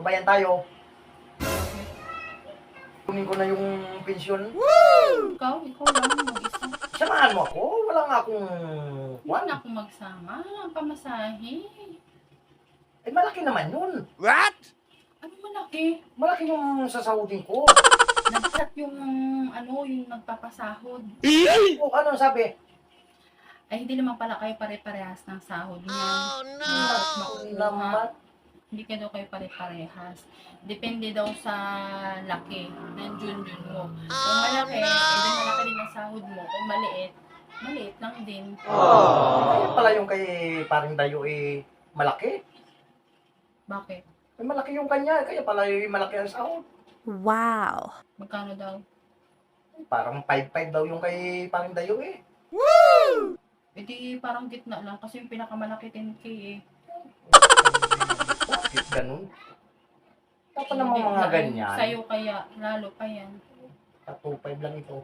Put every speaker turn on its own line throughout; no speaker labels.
Pabayan tayo. Kunin ko na yung pensyon.
Ikaw lang mag-isa.
Samahan mo ako. Wala nga akong...
Hindi na ako magsama. Ang pamasahe.
Eh, malaki naman yun.
Ano malaki?
Malaki yung sasahudin ko.
Nag-chat yung yung nagpapasahod.
O, ano sabi?
Ay, hindi naman pala kayo pare-parehas ng sahod niyan.
Naku naman.
Hindi kayo kayo pare-parehas. Depende daw sa laki ng junjun mo. Kung malaki, edi malaki din ang sahod mo. Kung maliit, maliit lang din.
Kaya pala yung kay paring Dayo malaki.
Bakit?
Eh, malaki yung kanya. Kaya pala yung malaki ang sahod.
Wow.
Magkano daw?
Parang 5-5 daw yung kay paring Dayo
Edi parang gitna lang kasi yung pinakamalaki 10K eh.
Bakit ganun? Dapat naman
Hindi
mga
na,
ganyan.
Sa'yo kaya, lalo pa yan.
2-5 lang ito.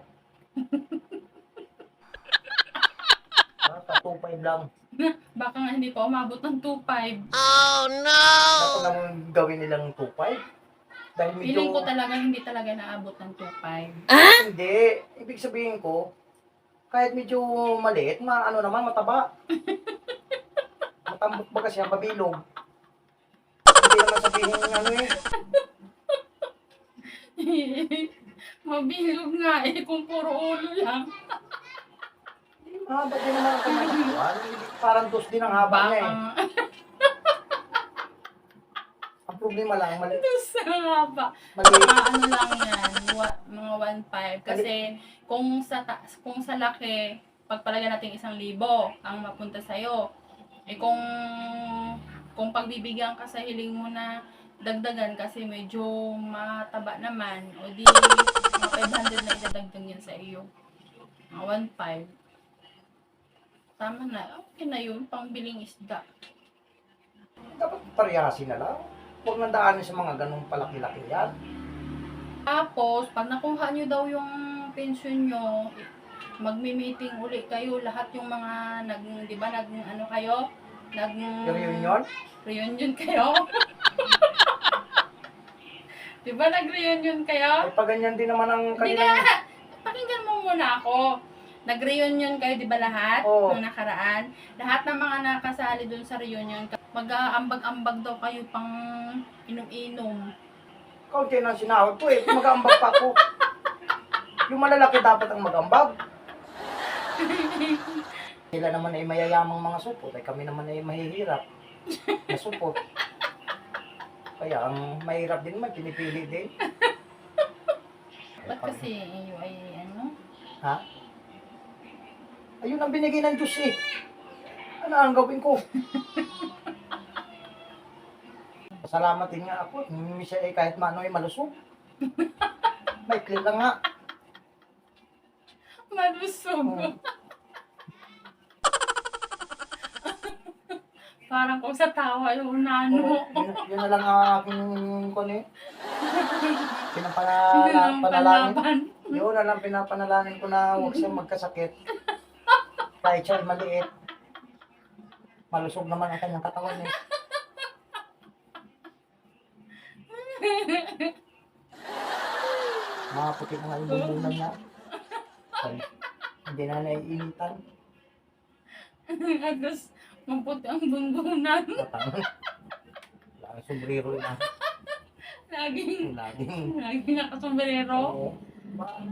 2-5 lang.
Baka nga hindi pa umabot ng 2.5.
Dapat naman gawin nilang 2-5. Dahil medyo...
Feeling ko talaga hindi talaga naabot ng 2.5.
Hindi. Ibig sabihin ko, kahit medyo maliit, ano naman, mataba. Matambok ba kasi ang pabilog? Hindi naman sabihin
Mabilog nga eh kung puro ulo lang.
Mahaba din naman ang kanyang katawan. Parang dos din ang haba niya eh. Ang problema lang, maliit.
Sa haba.
Maliit.
Ano lang yan, mga 1.5. Kasi kung sa laki, pagpalagyan natin 1,000 ang mapunta sa'yo. Eh kung pagbibigyan ka sa hiling mo na dagdagan kasi medyo mataba naman, o di mga 500 na idadagdag yan sa iyo. Mga 1.5. Tama na. Okay na yun, pangbiling isda.
Dapat parihasin na lang. Huwag nang daanin sa mga ganong palaki-laki yan.
Tapos, pag nakuha nyo daw yung pension nyo, magmi-meeting uli kayo, lahat yung mga di ba, kayo?
Reunion?
Reunion kayo? Di ba nag-reunion kayo?
Ay, paganyan din naman ang
Hindi
kanilang...
na! Pakinggan mo muna ako. Nag-reunion kayo, di ba lahat?
Oo.
Nung nakaraan. Lahat ng mga nakasali dun sa reunion, mag-aambag-ambag daw kayo pang inom-inom.
Kaunti na sinahod ko eh. Mag-aambag pa ako. Yung malalaki dapat ang mag-ambag. Sila naman ay mayayamang mga supot. Ay kami naman ay mahihirap na supot. Kaya ang mahirap din naman, pinipili din.
Ba't kasi iyo ay
Ha? Ayun ang binigay ng Diyos eh. Ano ang gawin ko? Pasalamatin nga ako. Hindi siya eh kahit maano ay malusog. May clear lang nga.
malusog.
Oo.
Parang kung sa tawa yung nano.
Yun na lang ang aking kung eh. Pinapanalangin.
Palaban.
Yun na lang pinapanalangin ko na huwag siyang magkasakit. Kahit siya ay maliit. Malusog naman ang kanyang katawan eh. Makaputi na nga yung bumbunan niya. Hindi na naiinitan.
Agos, maputi ang bunbunan.
Laging sombrero na.
Laging
Laging.
nakasombrero.
Oo.